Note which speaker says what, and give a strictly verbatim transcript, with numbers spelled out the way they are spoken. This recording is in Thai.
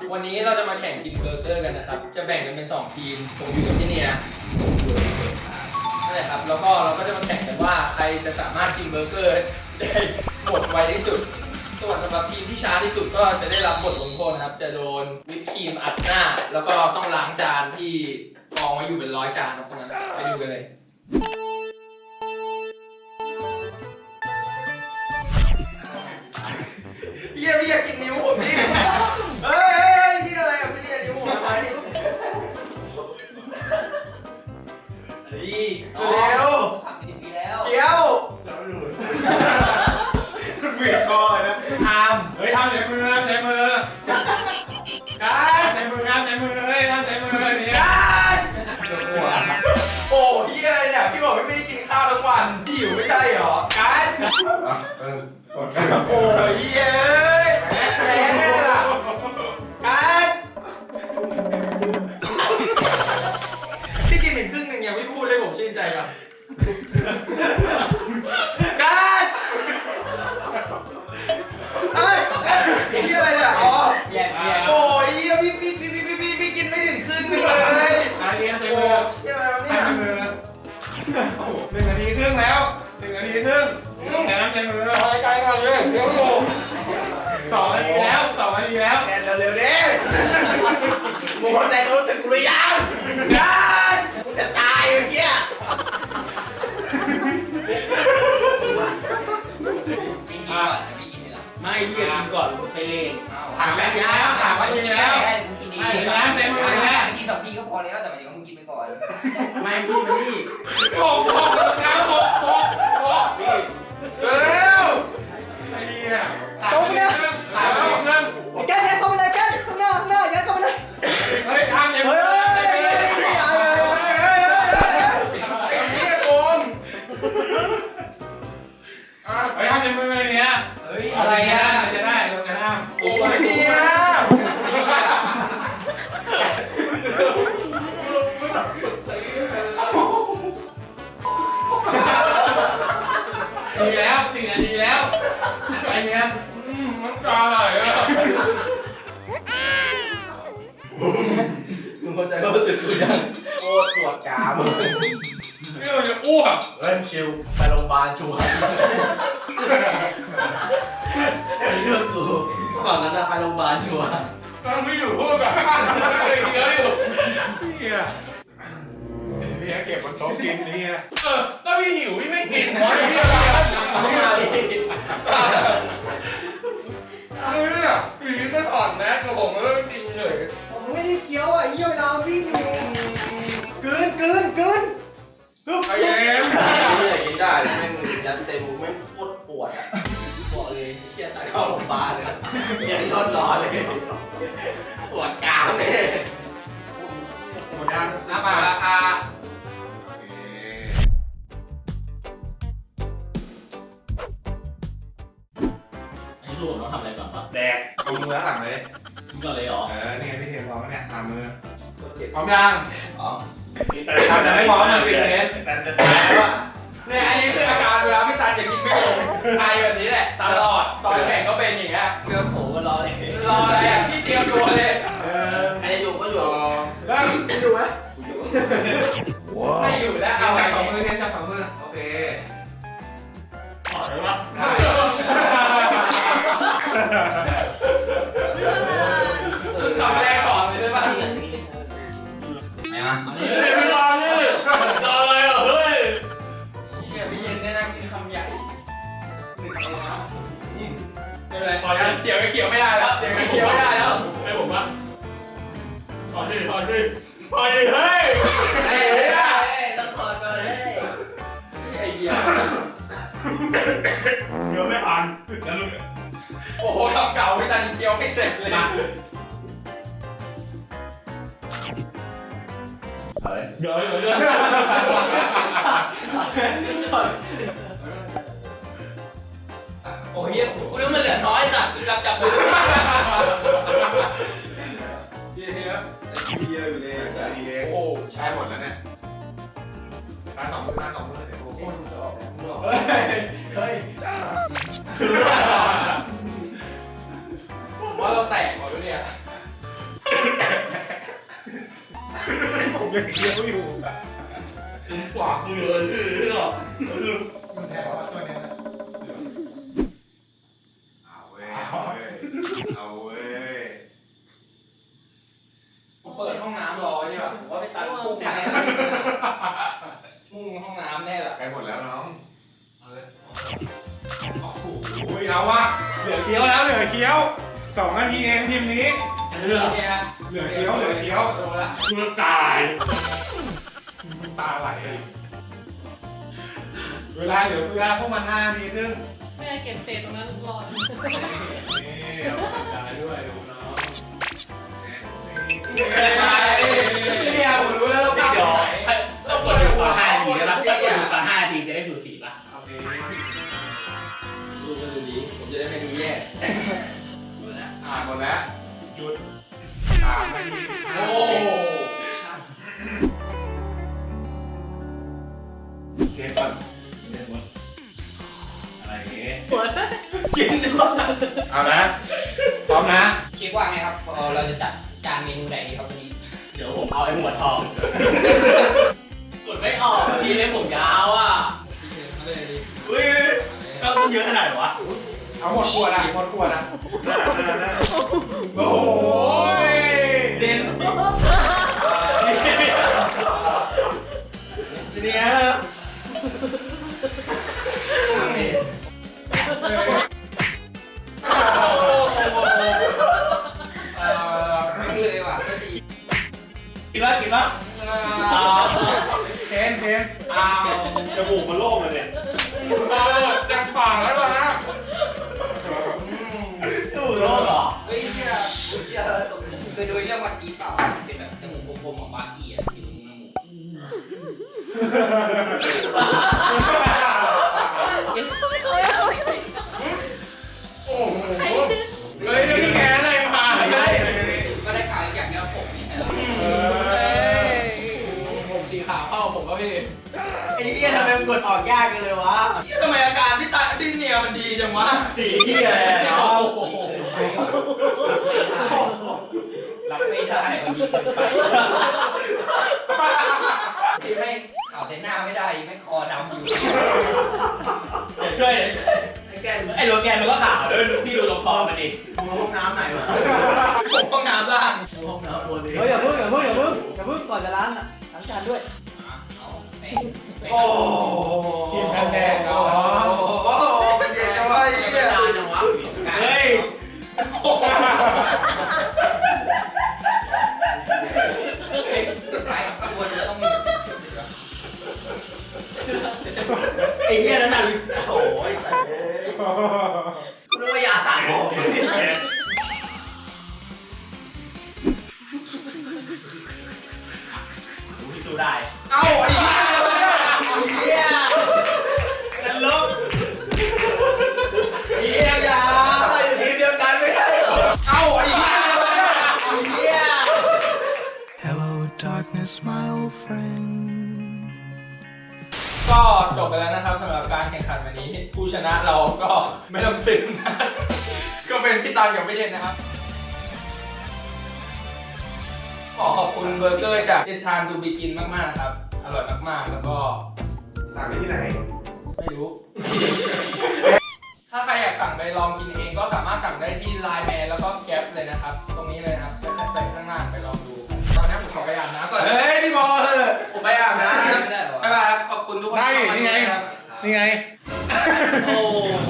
Speaker 1: วันนี้เราจะมาแข่งกินเบอร์เกอร์กันนะครับจะแบ่งกันเป็นสองทีมผมอยู่กับพี่เนียนั่นแหละครับแล้วก็เราก็จะมาแข่งกันว่าใครจะสามารถกินเบอร์เกอร์ได้หมดไวที่สุดส่วนสำหรับทีมที่ช้าที่สุดก็จะได้รับบทลงโทษนะครับจะโดนวิปครีมอัดหน้าแล้วก็ต้องล้างจานที่กองไว้อยู่เป็นร้อยจานนะพวกนั้นไปดูกันเลยเฮียพี่อยากกินนิ้วผมดิเฮ้ยนี่อะไรอ่ะพี่นิ้วผมทำไมนี่เร็วผักสิบปีแล้วเคี้ยวแล้วหลุดเบียดคอเลยนะทำเฮ้ยทำใช้มือใช้มือการใช้มือครับใช้มือเฮ้ยทำใช้มือเนี่ยการโอ้เฮียอะไรเนี่ยพี่บอกไม่ได้กินข้าวทั้งวันหิวไม่ได้เหรอการโอ้ยเย้ยแรงเนี่ยล่ะการพี่กินถึงครึ่งหนึ่งยังไม่พูดเลยผมชื่นใจก่อนการเฮ้ยพี่อะไรเนี่ยอ๋อโอ้ยพี่พี่พี่พี่พี่พี่กินไม่ถึงครึ่งเลยการเลี้ยงใจมือใจมือหนึ่งนาทีครึ่งแล้วหนึ่งนาทีครึ่งแต่น้ำใจมือไปไกลก่อนเลยเดี๋ยวอยู่สองนาทีแล้วสองนาทีแล้วแกเร็วๆดิมึงเข้าใจรู้สึกกูหรือยังยังกูจะตายเมื่อกี้ไม่พี่จะกินก่อนผมใช้เลนถามไปแล้วถามไปแล้วไม่แล้วใช้มือแล้วกินสองทีก็พอแล้วแต่หมายถึงว่ามึงกินไปก่อนไม่พี่ไม่พี่โอ้โหน้ำโอ้โหโอ้โหเร็วไอ้เนี่ยตรงเนี่ยถามว่าเรื่องแกยัดเข้าไปเลยแกข้างหน้าข้างหน้ายัดเข้าไปเลยเฮ้ยทำยังไงเฮ้ยเฮ้ยเฮ้ยเฮ้ยเฮ้ยไอ้เนี่ยโกงเฮ้ยทำยังมือเนี่ยอะไรอ่ะจะได้ลงจะได้โอ้ยเนี่ยดีแล้วสี่นาทีแล้วไอเนี้ยอืมมันตายอ่ะมึงเข้าใจว่ารู้สึกกูยังโคตรปวดกรามนี่เราจะอ้วกเล่นชิวไปโรงพยาบาลชัวร์เรื่องกูก่อนนั้นไปโรงพยาบาลชัวร์ต้องไม่อยู่พูดแบบเลยเยอะอยู่เนี่ยนี่เก็บบนโต๊ะกินนี่เออถ้าพี่หิวพี่ไม่กินวะนี่อะไรไม่เอาดิเนี่ยพี่ก็ถอดแมสกับผมแล้วกินเฉยผมไม่ได้เคี้ยวอ่ะเยี่ยวเราพี่มีกลืนกลืนกลืนไอ้เอ็มไม่อยากกินได้เลยแม่งยัดเต็มแม่งโคตรปวดอ่ะบอกเลยเครียดตายเข้าโรงพยาบาลเลยยังนอนรอเลยปวดกรามเลยหมดยังน้ำปลาอาอันนี้ลูกเราทำอะไรก่อนปะแดกเอามือหลังเลยกินก่อนเลยเหรอเออนี่ไงพี่เทพร้อมเนี่ยทำมือพร้อมยังอ๋อทำแต่ไม่พร้อมเลยพี่เทพเนี่ยอันนี้คืออาการเวลาพี่ตาจะกินไม่ลงไอแบบนี้แหละตลอดตอนแข่งก็เป็นอย่างเงี้ยเตรียมโถก็รอเลยรออะไรอ่ะพี่เตรียมตัวเลยเอออันนี้อยู่ก็อยู่ก็อยู่ไหมไม่อยู่แล้วเอาจับฝ่ามือเน้นจับฝ่ามือโอเคถอดได้ปะทำแรกถอดเลยได้ปะไหนมาไม่รอเลยรอเลยเหรอเฮ้ยเนี่ยพี่เย็นเนี่ยนั่งกินคำใหญ่หนึ่งเอาละไม่เป็นไรพอแล้วเดี๋ยวก็เขียวไม่ได้แล้วเดี๋ยวก็เขียวไม่ได้แล้วให้ผมปะถอดดิถอดดิถอดดิเฮ้ยไอ้เหี้ยต้องถอดเลยไอ้เหี้ยเดี๋ยวไม่ผ่านแล้วลูกโอ้โหทำเก่าพี่ตาเคี้ยวไม่เสร็จเลยเดี๋ยวเดี๋ยวเดี๋ยวโอ้ยกูนึกมันเหลือน้อยจัดจับจับมือเยอะเยอะเยอะอยู่เลยโอ้ใช้หมดแล้วเนี่ยการสองมือการสองมือเดี๋ยวโอ้โหเฮ้ยเฮ้ยว่าเราแตกหมดแล้วเนี่ยยังเคี้ยวอยู่ถึงกว่ามือเลยหรอมันแทนว่าตัวนี้นะเอาเว้ยเอาเว้ย
Speaker 2: เปิดห้องน้ำรอใช่ป่ะผมว่าไปตัดพุ่งแน่มุ่งห้องน้ำแน่แหละ
Speaker 1: ใกล้หมดแล้วน้องเอาเลยโอ้โหเอาวะเหลือเคี้ยวแล้วเหลือเคี้ยวสองนาทีเองทีมนี้
Speaker 2: เรื่องนี้ฮะ
Speaker 1: เหลือเคี้ยวเหลือเคี้ยว
Speaker 2: โดนละ
Speaker 1: กูจะตายตาไหลเวลาเหลือเฟือพวกมันห้านาทีครึ่ง
Speaker 3: แม่เก็บเศษตรงนั้นรอ
Speaker 1: นี่เอาตายด้วยดูน้อง
Speaker 2: เนี่ยผมรู้แล้วเรา
Speaker 4: เดี๋ยว
Speaker 2: ไหน
Speaker 4: เราเปิดดูก่อนห้านาทีแล้วถ้าเปิดดูก่อนห้านาทีจะได้ดูสีป่ะ
Speaker 1: โอเค
Speaker 2: ดูกันดูดีผมจะได้ไม่ดูแย่
Speaker 4: ดูนะ
Speaker 1: อ่านหมดแล้วหยุดสามนาทีสิบห้า
Speaker 2: โอ้
Speaker 1: เกมก่อนเล่นหมดอะไรอย่างงี้
Speaker 3: หัว
Speaker 1: กินเอานะพร้อมนะ
Speaker 5: เช็คว่าไงครับพอเราจะจัดจานเมนูไหนดีครับวันนี้
Speaker 4: เดี๋ยวผมเอาไอ้หัวทองกดไม่ออกทีเล่มผมยาวอ่ะ
Speaker 2: เอาเลยดิ
Speaker 4: อุ้ยก็ต้องเยอะขนาดไหนวะ
Speaker 1: เอาหมดขวดอ่ะหมดขวดอ่ะโอ้ย
Speaker 4: เด่นเนี่ยนี่
Speaker 2: ไม่เลยว่ะก็ดี
Speaker 4: กินแล้วกินแล้ว
Speaker 1: เทนเทน
Speaker 2: อ้าว
Speaker 4: จมูกมันโล่งเลยเนี่ย
Speaker 2: เออจังปากแล้ววะนะ
Speaker 4: จมูกโล่งเหรอ
Speaker 5: เฮ้ยเชื่อเชื่อเคยดูเรื่องวันปีเปล่าเป็นแบบจมูกกลมๆของบาร์กี้อ่ะที่มันจมูก
Speaker 2: โอ้โหเฮ้ยนี่แกอะไรมา
Speaker 5: ก็
Speaker 2: เฮ้ย
Speaker 5: ได้ข่าวอย่างเดียวผมนี่แหละ
Speaker 2: ผมสีขาวเข้าผมก็พี่
Speaker 4: ไอ้เหี้ยทำไมมันกดออกยากกันเลยวะ
Speaker 2: ทำไมอาการที่ตาที่เนียมันดีจังวะ
Speaker 4: สีเหี้ยเนาะ
Speaker 5: รับไม่ได้มันดีเกินไปที่ไม่ข่าวแต่หน้าไม่ได้ไม่คอดำอยู่
Speaker 4: เดี๋ยวช่วยเดี๋ยวช่วยไอ้โรแกนมันก็ขาวด้วยพี่ดูตรงคอมันดิห้องน้ำไหนวะ
Speaker 2: ผมห้องน้ำล่าง
Speaker 4: ห้องน้ำบนนี้
Speaker 6: เฮ้ยอย่าเพิ่งอย่าเพิ่งอย่าเพิ่งอย่าเพิ่งก่อนจะล้างอ่ะล้างจานด้วย
Speaker 5: เอาไม่
Speaker 1: โอ้ทีมแดงๆเนาะโอ้โหมันเย็นจังวะไอ้เหี้ย
Speaker 4: นานจังวะเฮ้ย
Speaker 5: สุดท้ายกระบวนการต้องมี
Speaker 4: ไอ้เหี้ยนั่นน่ะโอ้ยสัตว์กูนึกว่ายาสระผมดูได้
Speaker 2: เอ้าไอ้
Speaker 4: เหี้ยนั่นลบเหี้ยยาเราอยู่ทีมเดียวกันไม่ใช่เหรอ
Speaker 2: เอ้าไอ้
Speaker 4: เหี้ย
Speaker 7: Hello, darkness, my old friend.
Speaker 2: ก็จบไปแล้วนะครับสำหรับการแข่งขันวันนี้ ผู้ชนะเราก็ไม่ต้องซึ้งนะก็เป็นพี่ตันกับพี่เด่นนะครับ ขอขอบคุณเบอร์เกอร์จาก It's Time to Begin มากๆนะครับ อร่อยมากๆ แล้วก็
Speaker 1: สั่งได้ที่ไหน
Speaker 2: ไม่รู้ ถ้าใครอยากสั่งไปลองกินเองก็สามารถสั่งได้ที่ไลน์แมนแล้วก็แก๊ปเลยนะครับ ตรงนี้เลยนะครับไปไปข้างหน้าไปลองดู ตอนนี้ผมขอไปอาบน้ำก่อน
Speaker 1: เฮ้ยพี่บอลเออผมไปอาบน้
Speaker 5: ไม่ได้หรอ
Speaker 2: บ๊ายบายครับ ขอบคุณทุกคน
Speaker 1: ได้
Speaker 2: ที่เข้ามา
Speaker 1: นี่ไง
Speaker 2: ดูนะครับ
Speaker 1: ำนี่ไง
Speaker 4: โอ้